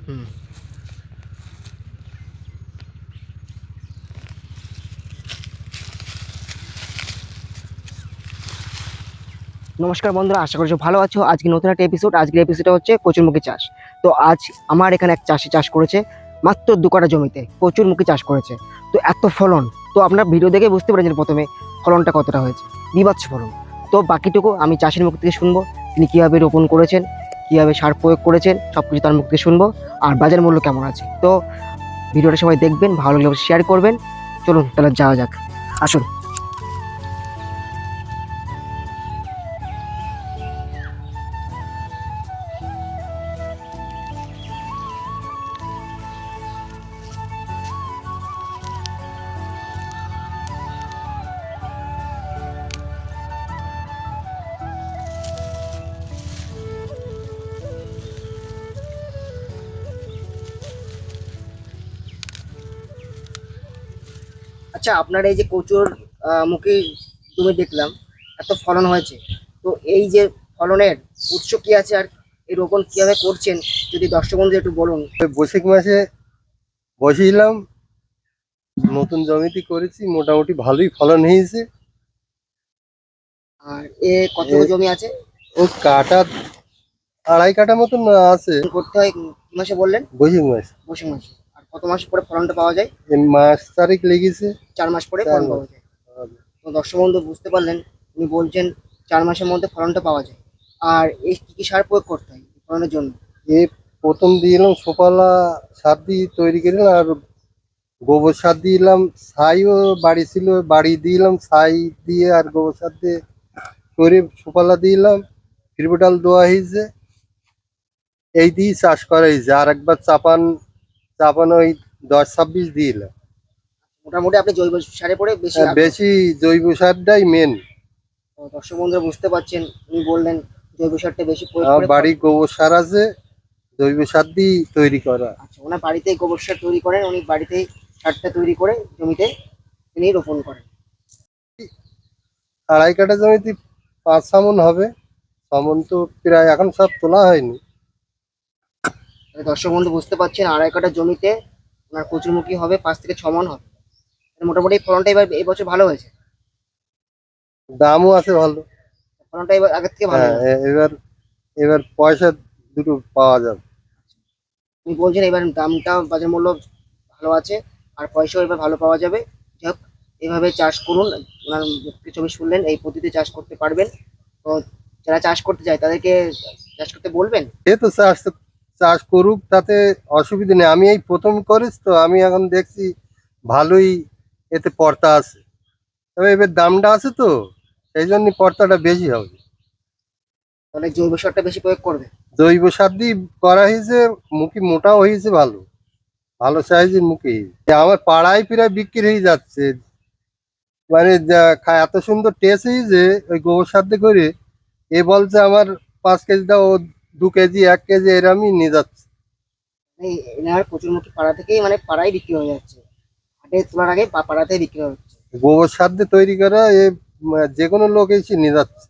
হুম। নমস্কার বন্ধুরা, আশা করছি ভালো আছো। আজকে নতুন একটা এপিসোড। আজকের এপিসোডটা হচ্ছে কচুরমুখী চাষ। তো আজ আমার এখানে এক চাষি চাষ করেছে, মাত্র 2 কাঠা জমিতে কচুরমুখী চাষ করেছে। তো এত ফলন, তো আপনার ভিডিও দেখে বুঝতে পেরেছেন প্রথমে ফলনটা কতটা হয়েছে, বিভৎস ফলন। তো বাকিটুকু আমি চাষির মুখ থেকে শুনবো, তিনি কীভাবে রোপণ করেছেন, কীভাবে সার প্রয়োগ করেছেন, সব কিছু তার মুখ থেকে শুনবো। আর বাজার মূল্য কেমন আছে। তো ভিডিওটা সবাই দেখবেন, ভালো লাগলে শেয়ার করবেন। চলুন তাহলে যাওয়া যাক, আসুন। আচ্ছা, আপনার এই যে কচুর মুখী জমি দেখলাম, এত ফলন হয়েছে। তো এই যে ফলনের উৎস কি আছে, আর এই রোপণ কিভাবে করছেন, যদি দর্শক বন্ধু একটু বলুন। বৈশাখ মাসে বসিয়েছিলাম, নতুন জমিতে করেছি, মোটামুটি ভালোই ফলন হয়েছে। আর কতটুকু জমি আছে? ও কাটা 2.5 কাঠা মতন আছে। করতে হয় কি মাসে বললেন? বৈশাখ মাস। বৈশাখ মাসে। আর কত মাস পরে ফলনটা পাওয়া যায়? এই মাস তারিখ লেগেছে। 4 মাস পরে 4 ফলন মাস। পাওয়া যায়। তো দর্শক বন্ধু বুঝতে পারলেন, উনি বলছেন 4 মাসের মধ্যে ফলনটা পাওয়া যায়। আর এই কি কি সার প্রয়োগ করতে হয় ফলনের জন্য? এই প্রথম দিলাম সোপালা সার দিয়ে তৈরি করলাম, আর গোবর সার দিলাম। ছাইও বাড়ি ছিল, বাড়ি দিলাম ছাই দিয়ে, আর গোবর সার দিয়ে করে সোপালা দিলাম। ফিরবিটাল দেওয়া হয়েছে, এই দিয়ে চাষ করা হয়েছে। আর একবার চাপান চাপান ওই 10-26 দিলাম। মোটামুটি আপনি জৈব সারে পরে বেশি আগ্রহ। বেশি জৈব সারটাই মেন। তো দর্শক বন্ধুরা বুঝতে পারছেন, উনি বললেন জৈব সারটা বেশি প্রয়োগ আমার করে। বাড়ি গোবর সার আছে, জৈব সার দিয়ে তৈরি করা। আচ্ছা, ওনার বাড়িতেই গোবর সার তৈরি করেন, উনি বাড়িতেই সারটা তৈরি করে জমিতে তিনি রোপণ করেন। 2.5 কাঠা জমিতে 5 মণ হবে। 6 মণ তো প্রায় এখন সব তোলা হয়নি। তাহলে দর্শক বন্ধু বুঝতে পারছেন, 2.5 কাঠা জমিতে ওনার কচুরমুখী হবে 5 থেকে 6 মণ হবে। তাহলে মোটামুটি ফলনটা এবার এই বছর ভালো হয়েছে। দামও আছে ভালো। ফলনটা এবার আগের থেকে ভালো হ্যাঁ, হয়েছে। এবার এবার পয়সা দুটো পাওয়া যাবে। উনি বলছেন এবার দামটা বাজার মূল্য ভালো আছে, আর পয়সাও এবার ভালো পাওয়া যাবে। যাই হোক, এইভাবে চাষ করুন। ওনার মুখ থেকে ছবি শুনলেন, এই পদ্ধতিতে চাষ করতে পারবেন। তো যারা চাষ করতে চায় তাদেরকে চাষ করতে বলবেন। এ তো চাষ চাষ করুক, তাতে অসুবিধা নেই। আমি এই প্রথম করিস, তো আমি এখন দেখছি ভালোই এতে পর্তা আছে। তবে এবার দামটা আছে, তো সেই জন্য পর্তাটা বেশি হবে। তাহলে জৈব সারটা বেশি প্রয়োগ করবে। জৈব সার দিয়ে করা হয়েছে, মুখি মোটাও হয়েছে, ভালো ভালো সাইজের মুখি। আমার পাড়ায় প্রায় বিক্রি হয়ে যাচ্ছে। মানে এত সুন্দর টেস্ট হয়েছে ওই গোবর সার দিয়ে করে। এ বলছে আমার 5 কেজি দাও, ও 2 কেজি 1 কেজি এরমই নিয়ে যাচ্ছে। এই এনার কচুরমুখী পাড়া থেকেই, মানে পাড়ায় বিক্রি হয়ে যাচ্ছে, হাটে তোলার আগে পাড়াতেই বিক্রি হচ্ছে। গোবর সার দিয়ে তৈরি করা, যে কোনো লোক এসে নিয়ে যাচ্ছে।